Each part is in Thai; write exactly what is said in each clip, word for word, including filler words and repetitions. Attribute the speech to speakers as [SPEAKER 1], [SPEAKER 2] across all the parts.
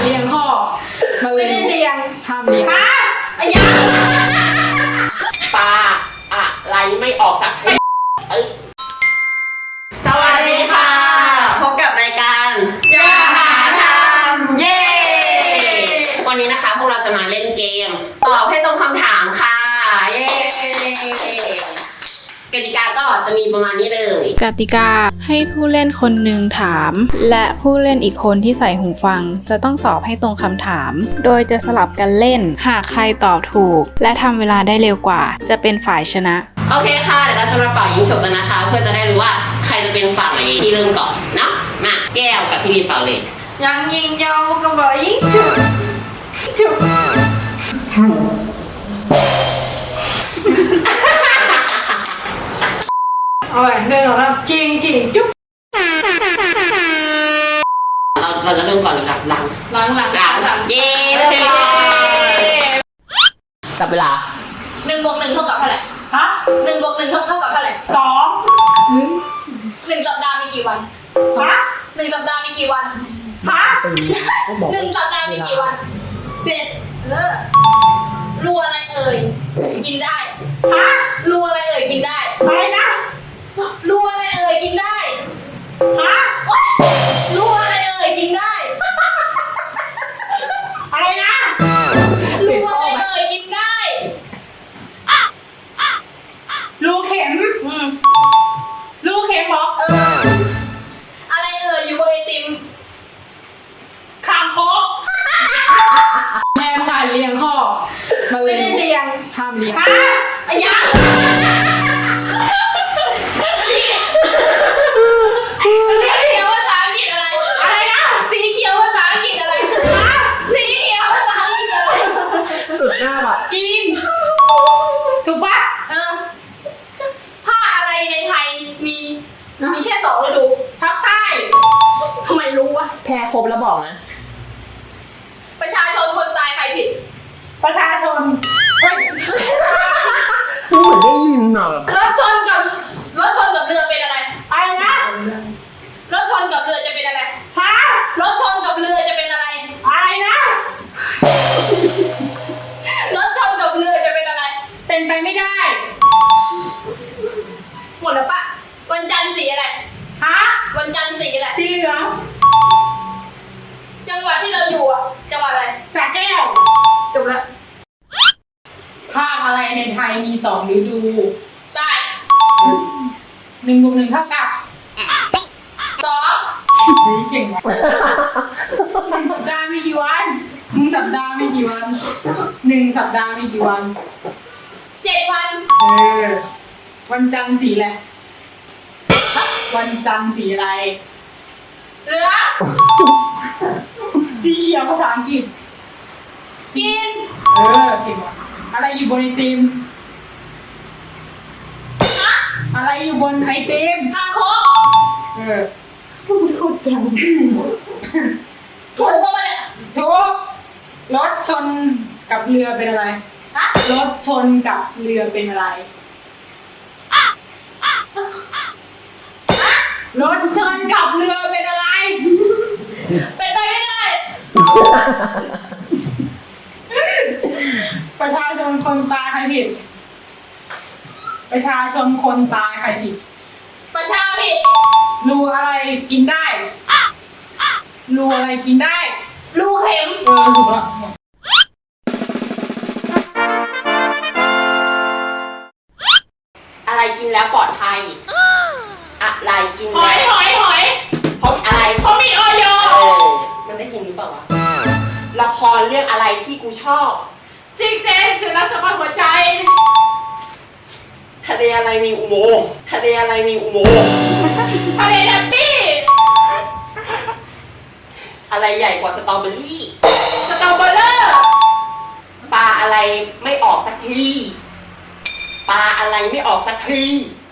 [SPEAKER 1] เลี้ยงข้อมา
[SPEAKER 2] ไม่
[SPEAKER 1] เลี้ย
[SPEAKER 2] ได้
[SPEAKER 1] ง
[SPEAKER 2] เลี้ยง
[SPEAKER 1] ห้ามเลี้ยง
[SPEAKER 2] ฮะอะไรยัง
[SPEAKER 3] ปลาอะไรไม่ออกสักทีเอ้ยสวัสดีค่ะพบกับรายการ
[SPEAKER 2] อย่าหาท
[SPEAKER 3] เย้ วันนี้นะคะพวกเราจะมาเล่นเกม ตอบให้ตรงคำถามค่ะเย้กติกาก็จะมีประมาณนี้เลย
[SPEAKER 4] กติกาให้ผู้เล่นคนหนึ่งถาม และผู้เล่นอีกคนที่ใส่หูฟังจะต้องตอบให้ตรงคำถาม โดยจะสลับกันเล่น หากใครตอบถูก และทำเวลาได้เร็วกว่า จะเป็นฝ่ายชนะ
[SPEAKER 3] โอเคค่ะเดี๋ยวเราจะมาเป่ายิงฉุบกันนะคะ เพื่อจะได้รู้ว่าใครจะเป็นฝั่งไหนที่เริ่มก่อนเนาะมาแก้วกับพี่บีเป่าเลย
[SPEAKER 2] ำยังยิงยาวกระบอกยิงจุ๊บจุ๊บเอาไว้หนึ่งสองสามจริงจริงจุ๊บ
[SPEAKER 3] เราเราจะเริ่มก่อนหรือหลังหลัง
[SPEAKER 2] หลังหลัง
[SPEAKER 3] หลัง
[SPEAKER 2] หลัง
[SPEAKER 3] เย้เริ่มก่อนจับเวลา
[SPEAKER 2] หนึ่งบวกหนึ่งเท่ากับเท่าไหร่ฮะหนึ่งบวกหนึ่งเท่าเท่ากับเท่าไหร่สองหนึ่งสัปดาห์มีกี่วันฮะหนึ่งสัปดาห์มีกี่วันฮะหนึ่งสัปดาห์มีกี่วันเจ็ดเออรัวอะไรเอ่ยกินได้ฮะรัวอะไรเอ่ยกินได้อะไรนะรัวอะไรเอ่ยกินได้ฮะรัวอะไรเอ่ยกินได้อะไรนะรัวอะไรเอ่ยกินได้รูเข็มอืมรูเข็มเหรอเอออะไรเอ่ยอยู่บนไอติมคางคก
[SPEAKER 1] แม่ผ่านเลี้ยงข้อมา
[SPEAKER 2] ไม่
[SPEAKER 1] เลี้ย
[SPEAKER 2] ได้
[SPEAKER 1] ง
[SPEAKER 2] เลี้ยง
[SPEAKER 1] ห้ามเลี้ยง
[SPEAKER 2] ฮะอะไรยังสีเขียวภาษาอังกฤษอะไรอะไรนะสีเขียวภาษาอังกฤษอะไรฮะสีเขียวภาษาอังกฤษอะไร
[SPEAKER 3] สุดหน้าว่ะ
[SPEAKER 2] จีนถูกปะเออผ้าอะไรในไทยมีมีแค่สองฤดูภาคใต้ทำไมรู้วะ
[SPEAKER 3] แพ้ครบแล้วบอกนะ
[SPEAKER 2] ประชาชนคนตายใครผิด
[SPEAKER 5] ประชาชนเฮ้ย
[SPEAKER 3] เหมือนได้ยินอ่ะ
[SPEAKER 2] รถชนกับรถชนกับเรือเป็นอะไร
[SPEAKER 5] อะไรนะ
[SPEAKER 2] รถชนกับเรือจะเป็นอะไร
[SPEAKER 5] ฮะ
[SPEAKER 2] รถชนกับเรือจะเป็นอะไร
[SPEAKER 5] อะไรนะ
[SPEAKER 2] รถชนกับเรือจะเป็นอะไร
[SPEAKER 5] เป็นไปไม่ได้
[SPEAKER 2] หมดแล้วปะวันจันทร์สีอะไร
[SPEAKER 5] ฮะ
[SPEAKER 2] วันจันทร์สีอะไร
[SPEAKER 5] สีเหลือง
[SPEAKER 2] จังหวัดที่เราอยู่อ่ะ จังหวัดอะไร
[SPEAKER 5] สระแก้ว
[SPEAKER 2] จบแล้ว
[SPEAKER 5] ภาคอะไรในไทยมีสองฤดู
[SPEAKER 2] ได้
[SPEAKER 5] หนึ่งบวกหนึ่งเท่ากับ
[SPEAKER 2] สอง
[SPEAKER 5] เฮ้ยเก่งว่ะหนึ่งสัปดาห์มีกี่วันหนึ่งสัปดาห์มีกี่วันหนึ่งสัปดาห์มีกี่วัน
[SPEAKER 2] เจ็ดวัน
[SPEAKER 5] เออ วันจันทร์สีอะไรวันจันทร์สีอะไร
[SPEAKER 2] เหลือง
[SPEAKER 5] สีเขียวภาษาอังกฤษ
[SPEAKER 2] กิน
[SPEAKER 5] เออเก่งว่ะอะไรอยู่บนไอติม
[SPEAKER 2] ฮะ
[SPEAKER 5] อะไรอยู่บนไอติม
[SPEAKER 2] คางคก
[SPEAKER 5] เออพูดพูดจัง
[SPEAKER 2] ถูกปะวะเนี่ย
[SPEAKER 5] ทุกรถชนกับเรือเป็นอะไร
[SPEAKER 2] ฮะ
[SPEAKER 5] รถชนกับเรือเป็นอะไร รถชนกับเรือเป็นอะไร
[SPEAKER 2] เป็นไปไม่ได้
[SPEAKER 5] ประชาชนคนตายใครผิด ประชาชนคนตายใครผิด
[SPEAKER 2] ประชาผิด
[SPEAKER 5] รูอะไรกินได้รูอะไรกินได้
[SPEAKER 2] รูเข็ม
[SPEAKER 5] เออถูกแล้ว
[SPEAKER 3] อะไรกินแล้วปลอดภัยอะไรกิน
[SPEAKER 2] หอ
[SPEAKER 3] แล้
[SPEAKER 2] ยว หอยหอย
[SPEAKER 3] เพราะอะไร
[SPEAKER 2] เขามีออย
[SPEAKER 3] เออมันได้ยินหรือเปล่าวะละครเรื่องอะไรที่กูชอบ
[SPEAKER 2] ซิกเซนสื่อรักสมบัติหัวใจ
[SPEAKER 3] ทะเลอะไรมีอุโมงค์ทะเลอะไรมีอุโมงค์
[SPEAKER 2] ทะเลแฮปปี้
[SPEAKER 3] อะไรใหญ่กว่าสตรอเบอรี่
[SPEAKER 2] สตรอเบอร์เลอร์
[SPEAKER 3] ปลาอะไรไม่ออกสักทีปลาอะไรไม่ออกสักที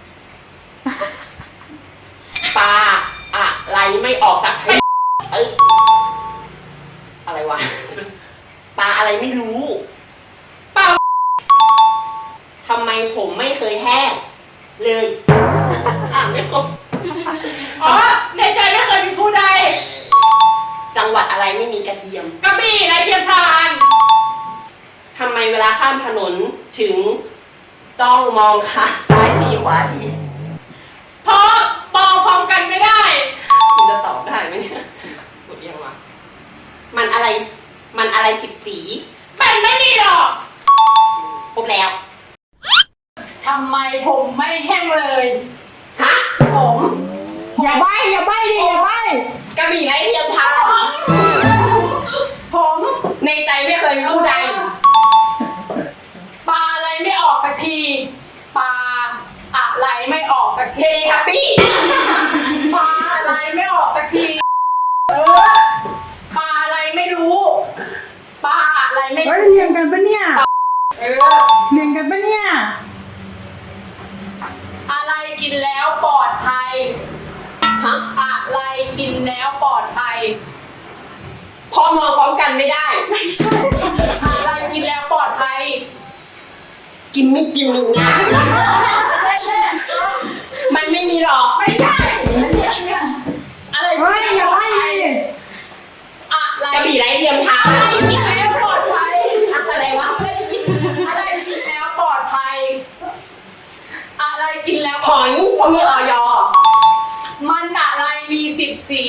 [SPEAKER 3] ปลาอะไรไม่ออกสักทีเอ้ยอะไรวะปลาอะไรไม่รู้
[SPEAKER 2] เปล่า
[SPEAKER 3] ทำไมผมไม่เคยแห้งเลยอ่านไม่ครบ
[SPEAKER 2] อ๋อในใจไม่เคยมีผู้ใด
[SPEAKER 3] ใจจังหวัดอะไรไม่มีกระเทียม
[SPEAKER 1] กระบี่ไรเทียมทาน
[SPEAKER 3] ทำไมเวลาข้ามถนนถึงต้องมองค่ะซ้ายทีขวาที
[SPEAKER 1] เพราะมองพร้อมกันไม่ได้
[SPEAKER 3] คุณจะตอบได้ไหมเนี่ยหมดยังวะมันอะไรมันอะไรสิบสี
[SPEAKER 1] มันไม่มีหรอก
[SPEAKER 3] ครบแล้ว
[SPEAKER 1] ทำไมผมไม่แห้งเลย
[SPEAKER 3] ฮะ
[SPEAKER 1] ผม
[SPEAKER 5] อย่าใบอย่าใบดิอย่าใบ
[SPEAKER 3] กระบี่ไร้เทียมทาน
[SPEAKER 1] ผม
[SPEAKER 3] ในใจไม่เคยรู้ใด
[SPEAKER 1] ปลาอะไรไม่ออกสักทีปลาอะไรไม่ออกสัก
[SPEAKER 3] เท
[SPEAKER 1] ที
[SPEAKER 3] เลทับปี้
[SPEAKER 1] ปลาอะไรไม่ออกสักทีเออปลาอะไรไม่รู้ปลาอะไรไม่
[SPEAKER 5] เฮ้ย
[SPEAKER 1] รู้
[SPEAKER 5] เรียงกันปะเนี่ย
[SPEAKER 1] เออ
[SPEAKER 5] เรียงกันปะเนี่ย
[SPEAKER 1] อะไรกินแล้วปลอดภัย
[SPEAKER 3] ฮะ
[SPEAKER 1] อะไรกินแล้วปลอดภัย
[SPEAKER 3] พอมองพร้อมกันไม่ได้
[SPEAKER 1] ไม่ใช่อะไรกินแล้วปลอดภัย
[SPEAKER 3] กิมมิกิมมิงา มันไม่มีหรอก
[SPEAKER 1] ไม่ใช่อะไร
[SPEAKER 5] เฮ้ยอย่าใบดิ
[SPEAKER 1] อะไร
[SPEAKER 3] กระบี่ไร้เทียมทาน
[SPEAKER 1] อะไรกินแล้วปลอดภัย
[SPEAKER 3] อะไรวะไม่ได้ยิน
[SPEAKER 1] อะไรกินแล้วปลอดภัย อะไรกินแล้ว
[SPEAKER 3] หอยพอมีออย
[SPEAKER 1] มันอะไรมีสิบสี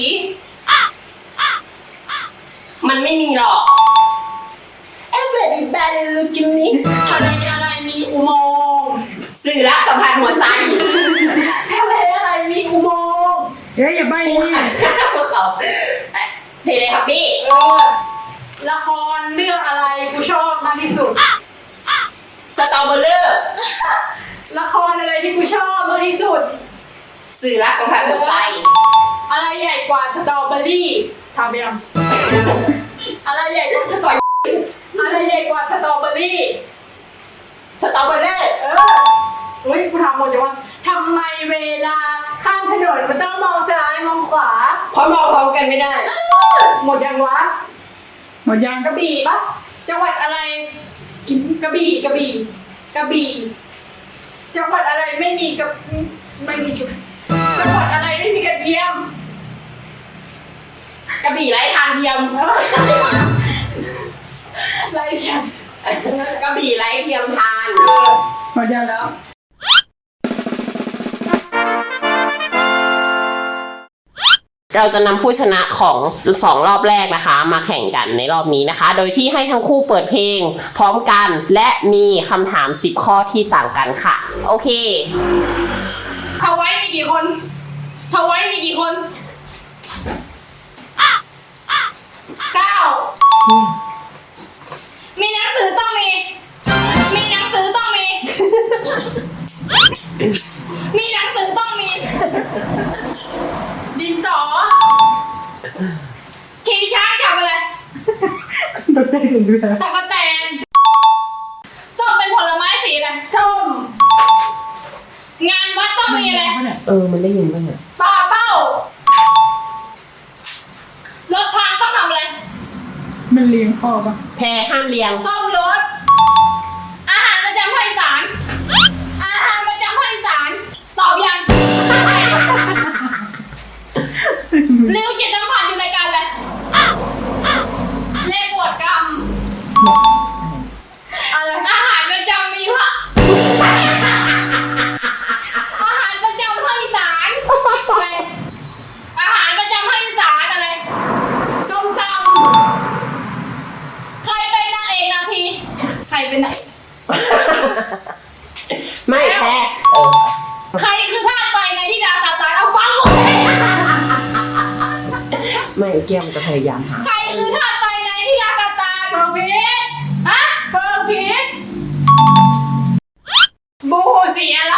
[SPEAKER 3] มันไม่มีหรอกเอ๊ะเบบี้แบนลูกิมมิ
[SPEAKER 1] อะไรอะไรมีอุโมงค์
[SPEAKER 3] สื่อรักสัมพันธ์หัวใจ
[SPEAKER 1] อะไรอะไรมีอุโมงค์
[SPEAKER 5] เฮ้ยอย่าใบดิ
[SPEAKER 3] พวกเขาเทเลทับบี้
[SPEAKER 1] เออละครเรื่องอะไรกูชอบมากที่สุด
[SPEAKER 3] สตรอเบอร์เลอร์
[SPEAKER 1] ละครอะไรที่กูชอบมากที่สุด
[SPEAKER 3] สื่อรักสัมพันธ์หัวใจ
[SPEAKER 1] อะไรใหญ่กว่าสตรอเบอรี่ทำไปยังอะไรใหญ่กว่าสตรออะไรใหญ่กว่าสตรอเบอรี่
[SPEAKER 3] สตรอเบอร์เลอร์
[SPEAKER 1] เอออุ้ยกูถามหมดเลยว่าทำไมเวลาข้ามถนนมันต้องมองซ้ายมองขวา
[SPEAKER 3] เพราะมองพร้อมกันไม่ได้
[SPEAKER 1] หมดยังวะ
[SPEAKER 5] หมดยัง
[SPEAKER 1] กระบี่ปะจังหวัดอะไรกระบี่กระบี่กระบี่จังหวัดอะไรไม่มีกระไม่มีกระจังหวัดอะไรไม่มีกระเทียม
[SPEAKER 3] กระบี่ไร้ทางเทียม
[SPEAKER 1] ไรเทียม
[SPEAKER 3] กระบี่ไร้เทียมทาน
[SPEAKER 5] หมดยัง
[SPEAKER 1] แล้ว
[SPEAKER 3] เราจะนำผู้ชนะของสองรอบแรกนะคะ มาแข่งกันในรอบนี้นะคะ โดยที่ให้ทั้งคู่เปิดเพลงพร้อมกันและมีคำถามสิบข้อที่ต่างกันค่ะ โอเค
[SPEAKER 1] ทาไว้มีกี่คนทาไว้มีกี่คนเก้ามีหนังสือต้องมี มีหนังสือต้องมี มีหนังสือต้องมี ดินสอขี่ช้างจับอะไร
[SPEAKER 5] ตัวเต้นกันด้วยนะ
[SPEAKER 1] ตะกะแตนส้มเป็นผลไม้สีอะไรส้ม งานวัดต้องมีอะไร
[SPEAKER 3] เออ มันได้ยินป่ะเนี่ย
[SPEAKER 1] ปลาเป้ารถพังต้องทำอะไร
[SPEAKER 5] มันเรียงข้อปะ
[SPEAKER 3] แพรห้ามเรียง
[SPEAKER 1] ซ่อมรถ อาหารประจำภาคอีสาน อาหารประจำภาคอีสานตอบยังเร็วจิตสัมผัสอยู่ในการอะไรเลขบวดกรรมอะไรอาหารประจำมีพระอาหารประจำภาคอีสานอะไรอาหารประจำภาคอีสานอะไรส้มตำใครเป็นนางเอกนาทีใครเป็นนางเอก
[SPEAKER 3] ไม่แพ้เออ
[SPEAKER 1] ใครคือธาตุไฟในที่ดาตาตานเอาฟังกูสิ
[SPEAKER 3] ไม่เกี่ยมจะพยายามหา
[SPEAKER 1] ใครคือธาตุไฟในที่ดาตาตานเฟิร์พีทฮะเฟิร์พีทบูสีอะไร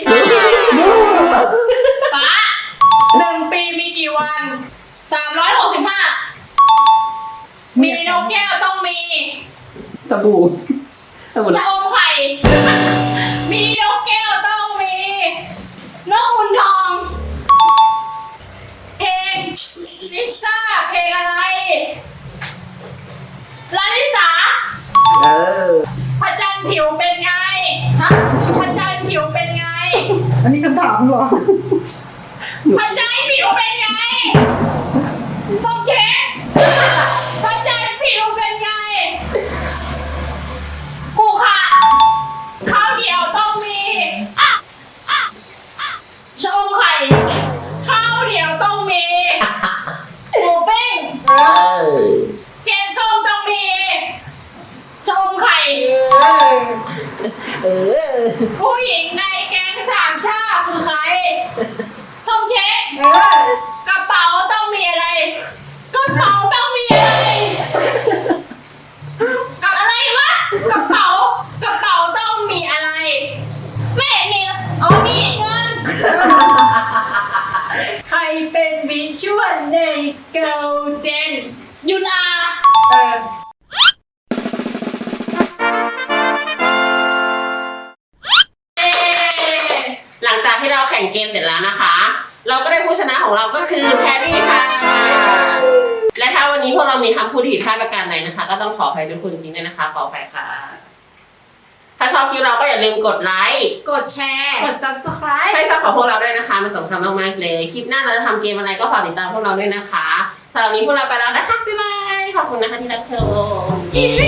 [SPEAKER 1] ฟ้าหนึ่งปีมีกี่วันสามร้อยหกสิบห้ามีนกแก้วต้องมี
[SPEAKER 3] สบู่สบู่
[SPEAKER 1] ชะอมไข่ มีนกแก้วต้องมี นกขุนทอง เพลงลิซ่าเพลงอะไรลาลิสา
[SPEAKER 3] เออ
[SPEAKER 1] พระจันทร์ผิวเป็นไงฮะพระจันทร์ผิวเป็นไง
[SPEAKER 5] อันนี้คำถามเหรอ
[SPEAKER 1] พระจันทร์ผิวเป็นไงต้องเช็ค
[SPEAKER 3] เออ
[SPEAKER 2] ผู้หญิงในแก๊งสามชาคือใครส้มเช็ค
[SPEAKER 1] เออก
[SPEAKER 2] ระเป๋าต้องมีอะไรกระเป๋าต้องมีอะไรกับอะไรวะกระเป๋ากระเป๋าต้องมีอะไรไม่เห็นมีเลยอ๋อมีเงิน
[SPEAKER 1] ใครเป็นวิชวลในเกิร์ลเจน
[SPEAKER 2] ยุนอา
[SPEAKER 1] เออ
[SPEAKER 3] หลังจากที่เราแข่งเกมเสร็จแล้วนะคะ เราก็ได้ผู้ชนะของเราก็คือแพรรี่ค่ะ และถ้าวันนี้พวกเรามีคำพูดผิดพลาดประการใดนะคะ ก็ต้องขออภัยทุกคนจริงๆด้วยนะคะ ขออภัยค่ะ ถ้าชอบคลิปเราก็อย่าลืมกดไลค์
[SPEAKER 2] กดแชร์กด ซับสไครบ์
[SPEAKER 3] ให้ชอบของพวกเราด้วยนะคะมันสำคัญมากๆเลย คลิปหน้าเราจะทำเกมอะไรก็ฝากติดตามพวกเราด้วยนะคะสำหรับวันนี้พวกเราไปแล้วนะคะ บ๊ายบาย ขอบคุณนะคะที่รับชม
[SPEAKER 2] อีก